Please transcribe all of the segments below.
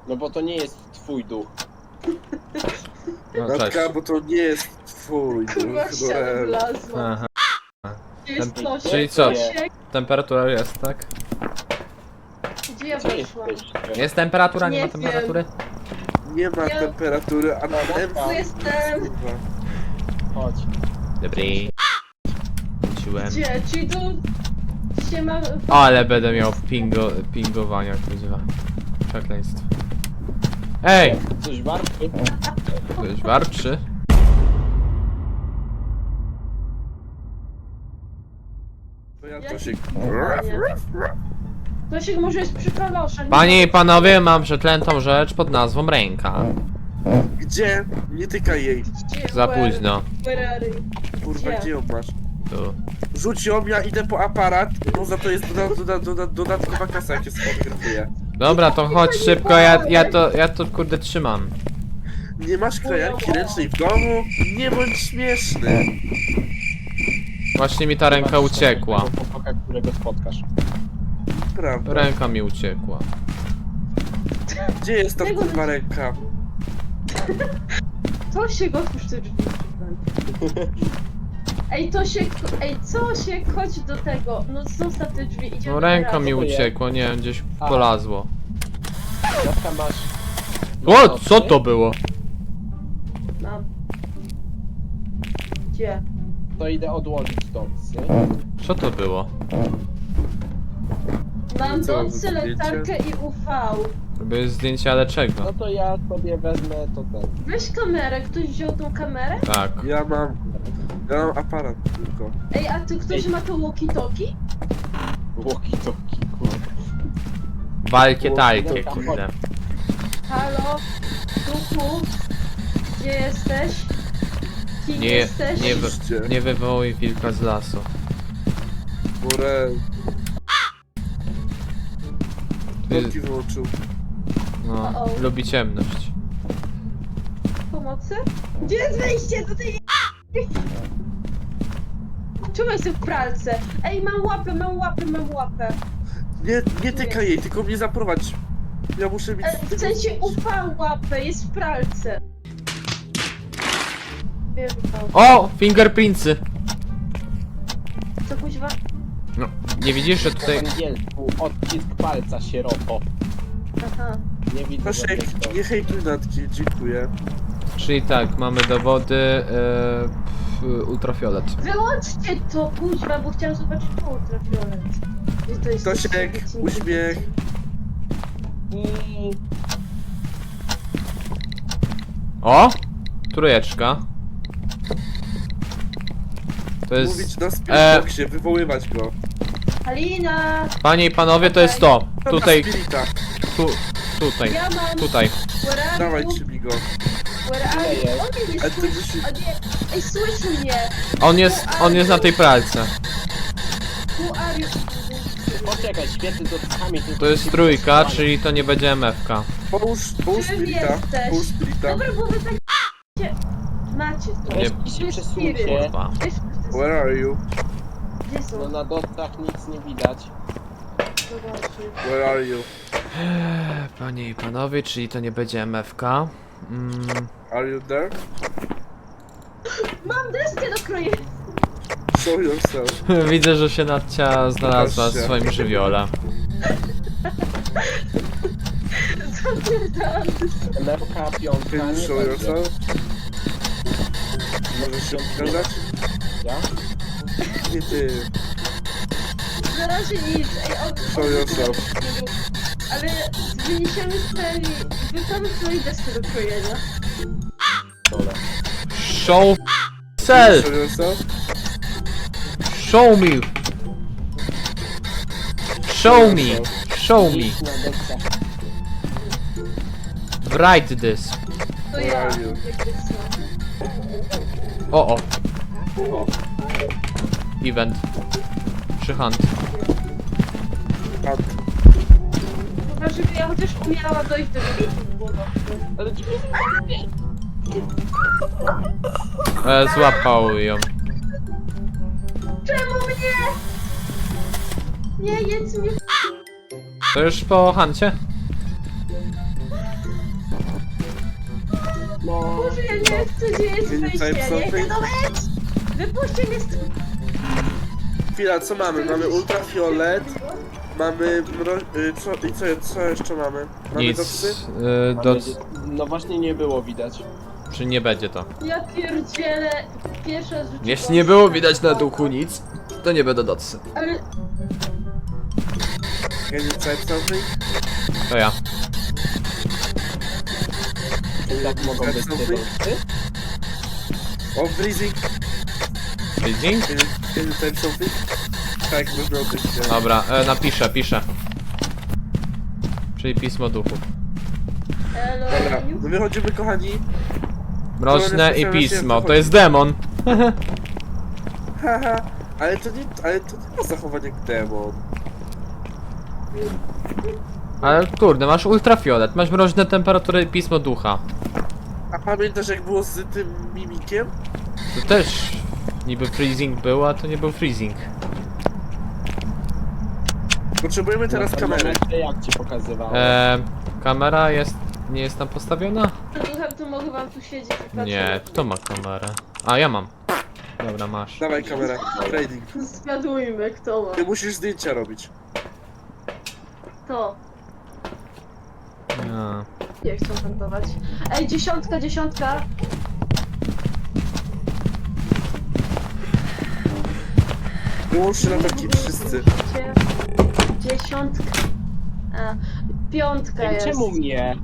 No bo to nie jest twój duch. No, cześć. Natka, bo to nie jest twój Kurwa, duch, w ścianę wlazła. Aha. Gdzie jest Tem- Tosiek? czyli co? Tosiek? Temperatura jest, tak? Gdzie ja Gdzie weszłam? jesteś? Jest temperatura, nie Nie ma temperatury? Nie ma Ja- temperatury, a na M... Tu jestem. Kurwa. Chodź. Dobry. Wróciłem. Gdzie? Czyli tu się ma... Ale będę miał pingowania, kuźwa. Przekleństwo. Ej! Coś warty? Ktoś warczy? To ja Jaki Tosiek. Tosiek może jest przy kaloszach. Panie i panowie, mam przeklętą rzecz pod nazwą ręka. Gdzie? Nie tykaj jej. Gdzie? Za Where? późno. Where are you? Kurwa, Gdzie? gdzie ją masz? Tu. Rzuć ją, ja idę po aparat, bo za to jest dodatkowa kasa, jak się sfotografuje. Dobra, to chodź szybko, ja to kurde trzymam. Nie masz krajanki ręcznej w domu? Nie bądź śmieszny. Właśnie mi ta ręka uciekła. Chłopaka, którego spotkasz. Prawda. Ręka mi uciekła. Gdzie jest ta kurwa ręka? Tosiek, otwórz te drzwi. Ej, Tosiek, Tosiek, chodź do tego. No zostaw te drzwi, idziemy No ręka razem. mi uciekła, nie wiem, gdzieś A. polazło. Jaka masz... O, co to było? Mam. Gdzie? To idę odłożyć docy. Co to było? Mam Co, docy, zdjęcie? latarkę i UV. Robię zdjęcie, ale No czego? to ja sobie wezmę to ten. Weź kamerę, ktoś wziął tą kamerę? Tak. Ja mam aparat tylko. Ej, a ty ktoś ma to walkie-talkie? Walkie-talkie, kurwa. Walkie talkie, kurde. Halo? Duchu? Gdzie jesteś? Kim Nie, jesteś? nie wywołuj wilka z lasu. Murę. Ty, Korki wyłączył. no, lubi ciemność. Pomocy? Gdzie jest wejście do tej... Czemu jestem w pralce? Ej, mam łapę. Nie tykaj jej, tylko mnie zaprowadź. Ja muszę mieć... W sensie UV łapę, jest w pralce. Wiem, O! Fingerprintsy! co kuźwa? No, nie widzisz, że Po tutaj... angielsku odcisk palca sieroto. Aha. Nie widzę Tosiek, żadnych nie hejtuj Natki, dziękuję. Czyli tak, mamy dowody... ultrafiolet. Wyłączcie to, kuźwa, bo chciałam zobaczyć po ultrafiolet. Gdzie to jest? Tosiek, uśmiech. I... O! Trójeczka. To jest... Mówić na Spiritboxie, wywoływać go. Halina! Panie i panowie, to jest to. Tutaj, Na Spirita. tutaj, Ja mam... tutaj. Where are Dawaj, you? trzymij go. Where are you? jest? On mnie nie A ty słyszy. musisz- O nie. Ej, słyszy mnie. On jest na tej pralce. Who are you? Poczekaj, świecy z oczkami. To jest trójka, czyli to nie będzie MFK. Połóż Czym Spirita. jesteś? Połóż Spirita. Dobra, bo wy tak... Macie to. Nie. Weź się Jest przesuńcie. spiryt. Kurwa. Wiesz, Where are you? gdzie No są? na dotach nic nie widać. Zobaczcie. Where are you? Panie i panowie, czyli to nie będzie MFK. Are you there? Mam deskę do krojenia. Show yourself. Widzę, że się Nadcia znalazła w Pokaż się. swoim żywiole. Zapierdalam. MFK piątka Can you nie show będzie. yourself? Możesz się pokazać? Ja? Nie ty. Na razie nic. Ej, Show yourself. Ale wyniesiemy ten... Wyprawy twojej deski do krojenia. Dobra. Show self! Show yourself? Show me! Show me! Show me! Idź na deskę. Write this. To Where ja. are you? Jakby co. O. Event. Przyhand. Pat. Chyba, żeby ja chociaż umiała dojść do tego. Ale drzwi Złapał ją. Czemu mnie? Nie jedz mnie. To już po Hancie? No. Boże, ja nie chcę, gdzie jest Can you wejście, type ja nie chcę something? to wejść! Wypuśćcie mnie stąd! Chwila, co mamy? Mamy ultrafiolet, mamy co jeszcze mamy? Mamy Nic. doksy? No właśnie nie było widać. Czy nie będzie to? Ja pierdzielę, pierwsza raz w życiu Jeśli nie było widać na duchu nic, to nie będę docy. Ale Can you type something? To ja. Jak mogą być te docy? O, freezing! Freezing? Can you type something? Tak, można określić. Dobra, napiszę, piszę. Czyli pismo duchu. Dobra, elo, no wychodzimy kochani. Mroczne i Specjalnie pismo, się to jest demon. Haha, ale to nie ma zachowań jak demon. Ale kurde, masz ultrafiolet, masz mroczne temperatury i pismo ducha. A pamiętasz jak było z tym mimikiem? To też niby freezing był, a to nie był freezing. Potrzebujemy teraz Na kamery. termometrze jak ci pokazywałem? Kamera jest, nie jest tam postawiona? to mogę wam tu siedzieć i patrzeć. Nie, kto ma kamerę? A, ja mam. Dobra, masz. Dawaj kamerę, trading. Zgadujmy, kto ma. Ty musisz zdjęcia robić. To. Ja. Nie chcą wentować. Ej, dziesiątka! Wyłączcie latarki, wszyscy. Dziesiątka. A, piątka Ej, jest. czemu mnie?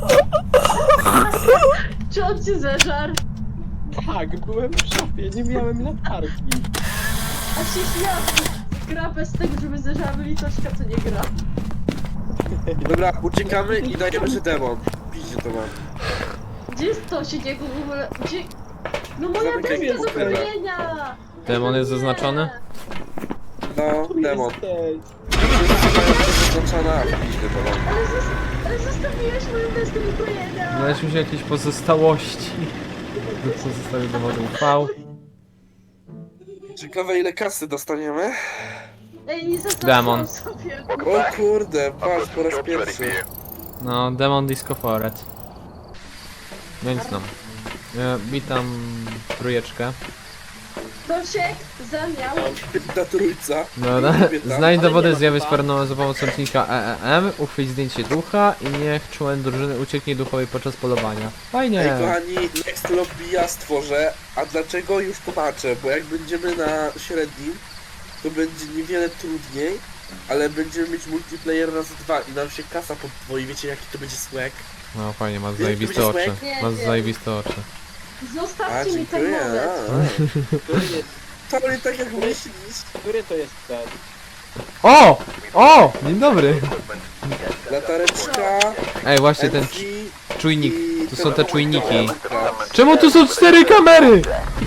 Czy on cię zeżar? Tak, byłem w szopie, nie miałem latarki. A się śmiał. Gra bez tego, żeby zeżarły litośka, co nie gra. Dobra, uciekamy i dajemy, że demon. Piździe to mam. Gdzie jest to się jego w ogóle? Gdzie? No moja Zamykaj deska do sklepę. kupienia! Demon jest zaznaczony? No, Tu demon. jesteś. Wszyscy mają to zaznaczone, a piździe to mam. Ale zostawiłeś moją deskę do kojenia! Znaleźliśmy się jakieś pozostałości. Co zostawił dowodu UV. Ciekawe ile kasy dostaniemy. Ej, nie zaznaczyłam Demon. sobie. O kurde, patrz, po raz pierwszy. No, Demon Disco Foret. Więc no. Witam trójeczkę. Dosiek zamiał. Ta trójca. Dobra. Kobieta. Znajdź Ale dowody nie ma zjawisk chyba. paranormalnych za pomocą czynnika EEM, uchwyć zdjęcie ducha i niech członek drużyny ucieknie duchowi podczas polowania. Ej Fajnie! kochani, next lobby ja stworzę, a dlaczego już tłumaczę, bo jak będziemy na średnim, to będzie niewiele trudniej, ale będziemy mieć multiplayer razy 2 i nam się kasa podwoi, wiecie jaki to będzie swag? No fajnie, masz Wiesz, zajebiste to oczy. będzie swag? Masz Nie wiem. zajebiste oczy. A, Zostawcie mi ten dziękuję. moment. To nie tak jak myślisz. Który to jest ten? O! O! Dzień dobry! Latareczka, Ej, właśnie ten MC czujnik. i Tu są te czujniki. Dobra. Czemu tu są 4 kamery?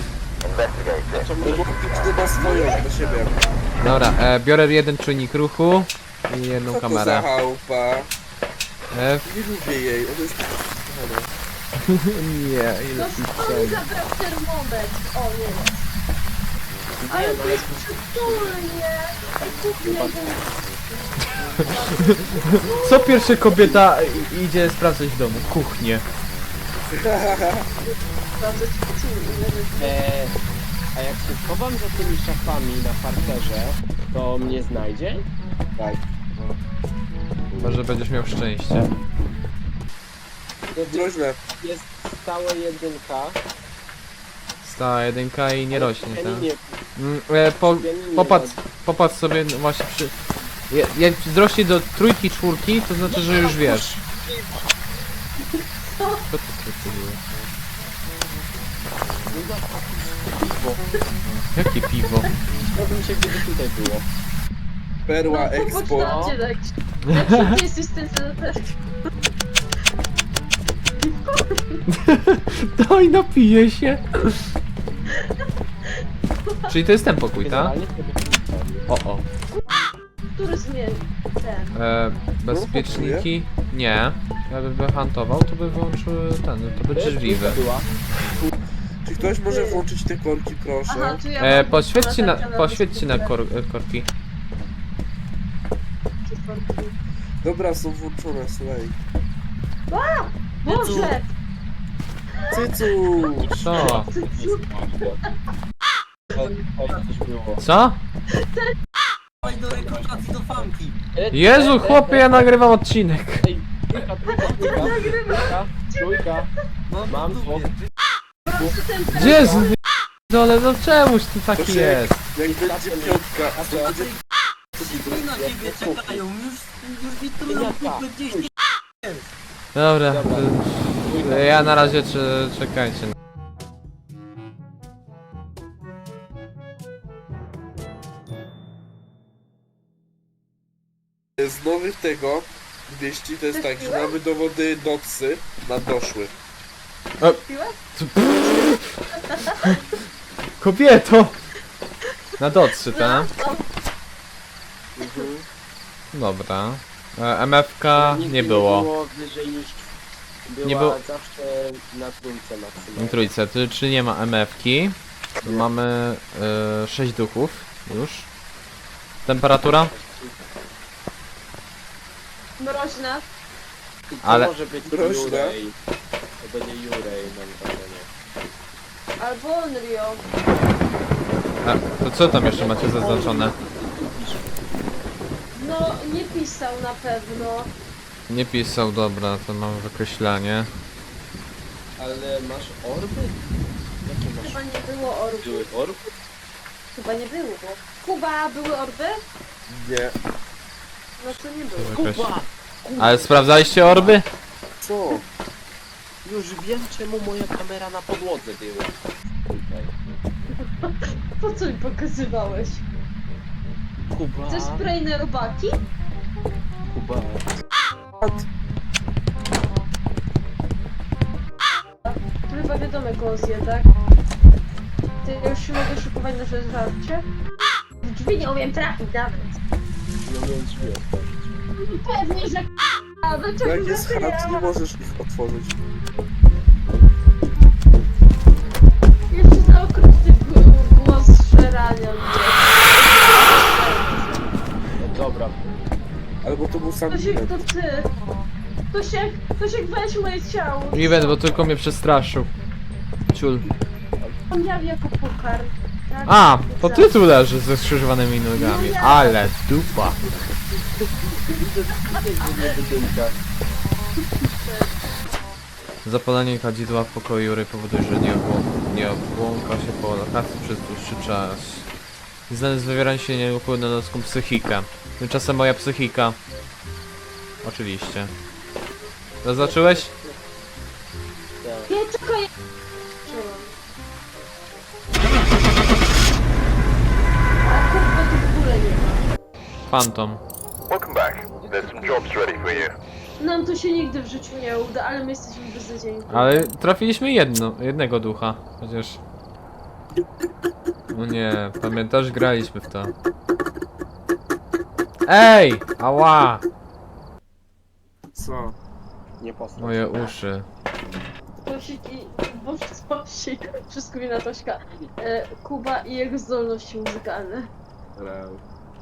No bo każdy ma swoją do siebie. Dobra, biorę jeden czujnik ruchu i jedną Co to za kamerę. chałupa? F. Nie lubię jej, ona jest taka kochana. Nie, No skąd mi zabrał termometr? O, nie wiem. Ale to jest przytulnie. Kupię Co pierwsza kobieta idzie sprawdzać w domu? Kuchnię. A jak się schowam za tymi szafami na parterze, to mnie znajdzie? Tak. Może będziesz miał szczęście. To Groźne. jest stałe jedynka. Stała jedynka i nie rośnie, tak? Pianinie, Popatrz sobie no właśnie przy... Jak wzrośnie do trójki, czwórki, to znaczy, że już wiesz. Co to było? Jakie piwo? Chciałbym się gdyby tutaj było. Perła No, Expo. popatrzcie, jak ty jesteś ten też. Daj, napiję się. Czyli to jest ten pokój, tak? Generalnie to by O. Który zmieni ten? Bezpieczniki? Nie. Ja bym huntował, to by wyłączył ten, to by drzwi wy. była. Czy ktoś może włączyć te korki, proszę? Aha, tu ja mam Poświećcie na korki. Dobra, są włączone, słuchaj. Boże! Cycuś! Co? Coś było. Co? Chodź do rekrutacji do fanki. Jezu, chłopie, ja nagrywam odcinek. Ej, trójka. Mam dwóch. Proszę ten Gdzie jest? Dole, no czemuż tu taki Proszę. jest? Jak będzie piątka, to będzie... Wszyscy na ciebie czekają, już mi tu na kupę gdzieś. Dobra, Trójka. ja na razie czekajcie. Z nowych tego wieści to jest tak, że mamy dowody docy na doszły. piłek? Kobieto! Na docy, tak? Mhm. Dobra. MFK Nigdy nie było. było wyżej niż... Była Nie było- zawsze na trójce maksymalnie. Trójce, czyli nie ma MFki. Tu mamy 6 duchów już. Temperatura? Mroźna. I to Ale- może być Proszę. Jurej. To będzie Jurej, mam wrażenie. Albo Onryo. To co tam jeszcze macie zaznaczone? No, nie pisał na pewno. Nie pisał, dobra, to mam wykreślanie. Ale masz orby? Jakie masz? Chyba nie było orby. Były orby? Chyba nie było. Kuba, były orby? Nie. No to nie było. Jakaś- Kuba! Ale sprawdzaliście orby? Co? Już wiem czemu moja kamera na podłodze była. Tutaj. Po co mi pokazywałeś? Kuba! Chcesz spray na robaki? Kuba! To chyba wiadomo kogo zje, tak? Ty już się mogę szykować na żarcie? W drzwi nie umiem trafić nawet. No wiem drzwi otworzyć. Pewnie, że a dlaczego Jak jest zaczyna? chat, nie możesz ich otworzyć. Jeszcze za okrutny głos szerania mnie. No dobra. Albo to był sam Tosiek, event. to ty. Tosiek, weź moje ciało. Event, bo tylko mnie przestraszył. Ciul. On miał jako pokar. Tak? A, to ty tu leżysz ze skrzyżowanymi nogami. Ale dupa. Zapalenie kadzidła w pokoju Jury powoduje, że nie obłąka się po lokacji przez dłuższy czas. Znany z wywierania się nie wpływ na ludzką psychikę. Tymczasem moja psychika. Oczywiście. Zaznaczyłeś? Tak. Nie, tylko ja... A kurwa tu w ogóle nie ma. Phantom. Welcome back. There's some jobs ready for you. Nam to się nigdy w życiu nie uda, ale my jesteśmy beznadziejni. Ale trafiliśmy jednego ducha. Chociaż... No nie, pamiętasz? Graliśmy w to. Ej! Ała! Co? Nie posłuchaj. Moje uszy. Tosik i... Boże, Tosik. Wszystko mi na Tośka. Kuba i jego zdolności muzykalne. Real.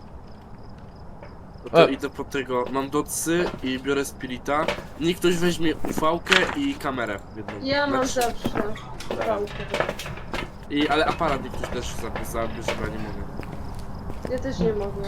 No to E. idę po tego. Mam docy i biorę spirita. Niech ktoś weźmie ufałkę i kamerę jedną. Ja mam Znaczy- zawsze pałkę. ale aparat niech ktoś też zabierze, bo ja nie mogę. Ja też nie mogę.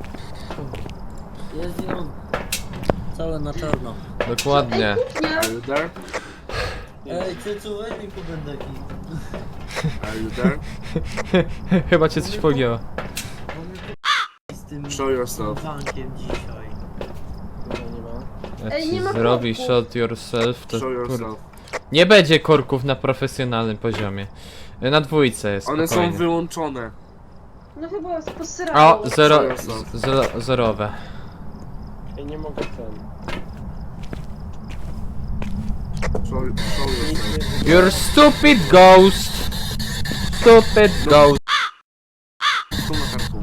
Jest i on. Całe na czarno. Dokładnie. Nie, Are you there? Ej, Cycu, weź mi kubędeki. Are you there? Chyba cię coś pogięło. Z tym Show yourself. bankiem dzisiaj. Kurwa, nie ma. Jak Ej, ci nie ma zrobi korków. shot yourself, to Show kurde. yourself. Nie będzie korków na profesjonalnym poziomie. Na dwójce jest One są spokojnie. wyłączone. no chyba posrało. O, zerowe. Ej, nie mogę ten. Show yourself. You're stupid ghost! Stupid ghost! Z tą latarką.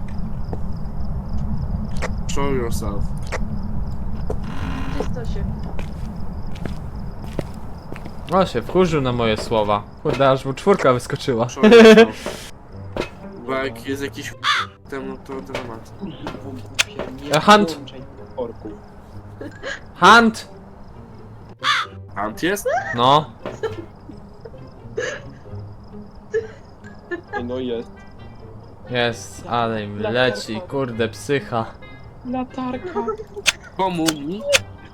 Show yourself. Gdzie jest Tosiek? O, się wkurzył na moje słowa. Kurde, aż mu czwórka wyskoczyła. Show yourself. Bo jak jest jakiś temu, no to dramat. Nie Hunt. włączaj tych korków. Hunt! Hunt jest? No. Ej, no jest. Jest, ale im leci, kurde, psycha. Latarka. Komu mi?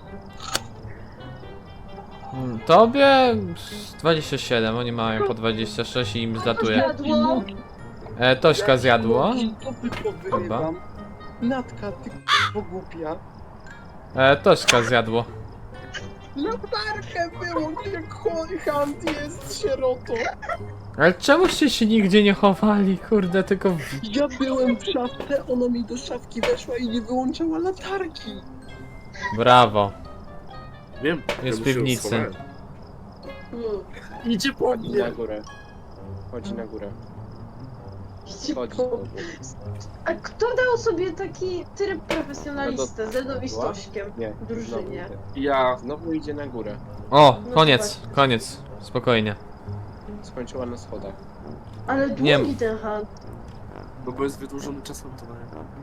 Tobie 27, oni mają po 26 i im zlatuje. Zjadło. Tośka zjadło. To tylko wyrywam. Natka, ty k***o głupia. Tośka zjadło. Latarkę wyłącz, jak Hunt jest sierotą. Ale czemuście się nigdzie nie chowali, kurde, tylko Ja byłem w szafce, ona mi do szafki weszła i nie wyłączała latarki. Brawo. Wiem. Jest ja w piwnicy. schowałem. Idzie po Chodzi mnie. na górę. Chodzi na górę. Chodzi. Szybko. A kto dał sobie taki tryb profesjonalista ze mną i z Była? Tośkiem Nie. w drużynie? Ja. Znowu idzie na górę. O, No koniec, to koniec. Spokojnie. Skończyła na schodach. Ale Nie. długi ten Hunt. No bo jest wydłużony czas montowania.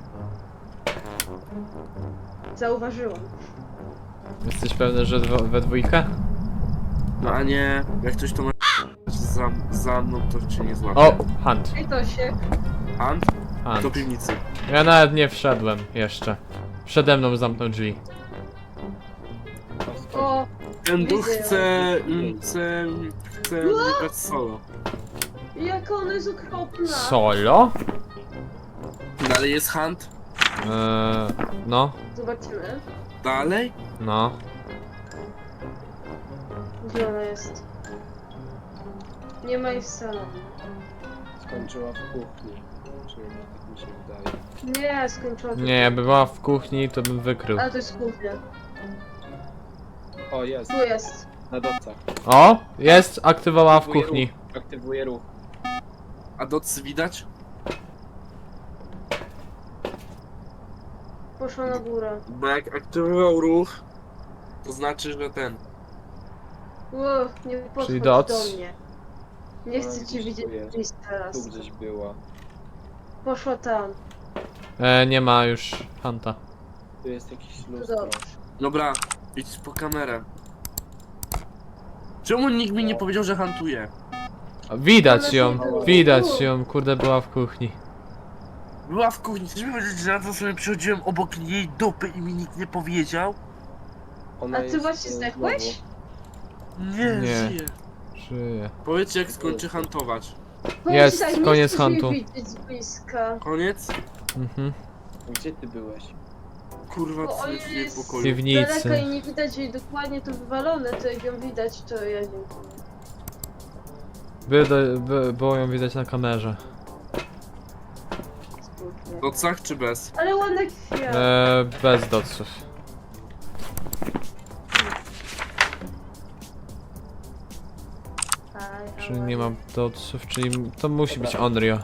Zauważyłam. Jesteś pewny, że we dwójkę? No a nie, jak ktoś to ma za mną, to cię nie złapie. O, Hunt, Ej Tosiek. Hunt? Do Hunt. piwnicy. Ja nawet nie wszedłem jeszcze. Przede mną zamknął drzwi. O, Ten duch Widzę. chce mnie grać solo. jak ona jest okropna. Solo? Dalej jest Hunt? No, Zobaczymy. Dalej? no. Gdzie ona jest? Nie ma jej w salonie. Skończyła w kuchni. Przynajmniej tak mi się wydaje. Nie, skończyła. Nie, jakby była w kuchni, to bym wykrył. Ale to jest kuchnia. O, jest. Tu jest. Na docach. O, jest, aktywowała w Aktywuje kuchni. ruch. Aktywuje ruch. A docy widać? Poszła na górę. Bo jak aktywował ruch, to znaczy, że ten. Ło, nie podchodź Czyli do doc? mnie. Nie Ona chcę cię gdzieś widzieć tu jest. gdzieś teraz. Tu gdzieś była. Poszła tam. Nie ma już Hunta. Tu jest jakiś To lustro. dobrze. Dobra, idź po kamerę. Czemu nikt mi nie powiedział, że hantuje? Widać ją, widać ją, kurde, była w kuchni. Była w kuchni, chcesz mi powiedzieć, że ja to sobie przychodziłem obok jej dupy i mi nikt nie powiedział? Ona A ty jest, właśnie zdechłeś? Nie, Nie. żyje. Żyje. Powiedzcie jak skończy hantować. Jest, Powiedz, nie koniec chcesz mnie huntu. widzieć z bliska. Koniec? Mhm. Gdzie ty byłeś? Kurwa, Bo co on jest w jej jest- W pokoju? Daleka piwnicy. i nie widać jej dokładnie to wywalone, to jak ją widać, to ja nie Było ją widać na kamerze. spróbuję. W docach czy bez? Ale ładna kwiat. Bez doców. Czyli nie mam doców, czyli to musi być Onryo.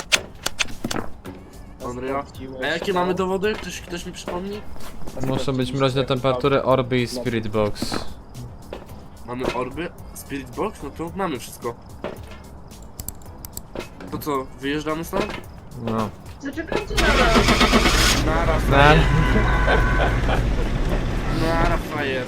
Onryo? A jakie mamy dowody? Ktoś mi przypomni? Muszą być mroźne temperatury, orby i spirit box. Mamy orby? Spirit box? No to mamy wszystko. To co, wyjeżdżamy stąd? No. Zaczekajcie na nas. Nara Na, frajer. Nara frajer.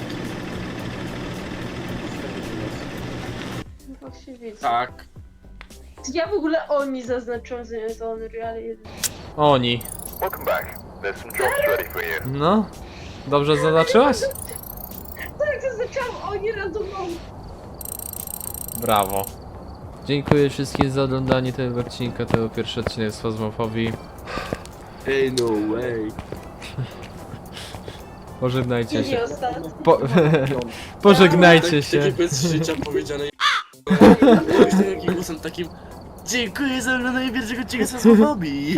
Właśnie widzę. Tak. Ja w ogóle oni zaznaczyłam zamiast Onry, ale oni. Welcome back. There's some jobs ready for you. No. Dobrze zaznaczyłaś? tak zaznaczyłam oni randomowo. Brawo. Dziękuję wszystkim za oglądanie tego odcinka. To był pierwszy odcinek z Fazmofobii. Ej, no way. Pożegnajcie I się. nie ostatni. Pożegnajcie Tak, się. takie bez życia powiedziane. Myślę takim głosem takim. Dziękuję za oglądanie pierwszego odcinka z Fazmofobii.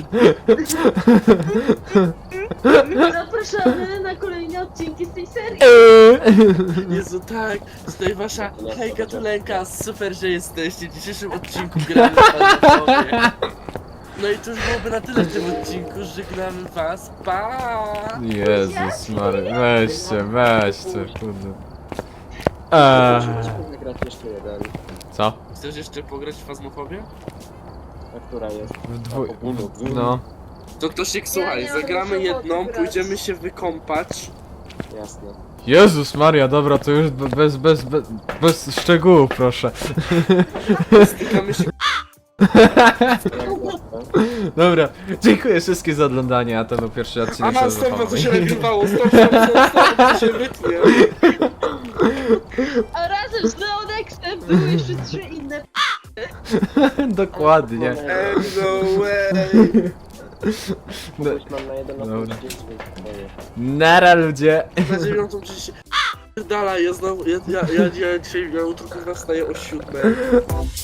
Zapraszamy na kolejne odcinki z tej serii. Jezu, tak, tutaj wasza hejka tulenka, super, że jesteście w dzisiejszym odcinku gramy w Fazmofobię. No i to już byłoby na tyle w tym odcinku, żegnamy was, pa! Jezus Mary, weźcie, kurde. Musimy wygrać jeszcze jeden. Co? Chcesz jeszcze pograć w Fazmofobię? A która jest? W dwu... ogólno. No. To Ktosiek, słuchaj, nie mam zagramy już ochoty jedną, grać. pójdziemy się wykąpać Jasne. Jezus Maria, dobra, to już bez szczegółów, proszę. Stykamy się. Dobra, dziękuję wszystkim za oglądanie, a to był pierwszy odcinek A, sezonu. stop, to się nagrywało, stop, to się wytnie. A razem z Leonexem były jeszcze 3 inne. Dokładnie. No way. No, Już mam na 11 Dobra. 10 swoje. nara ludzie. Na 9.30. Dalej, ja znowu, ja dzisiaj, ja jutro kurwa wstaję o 7.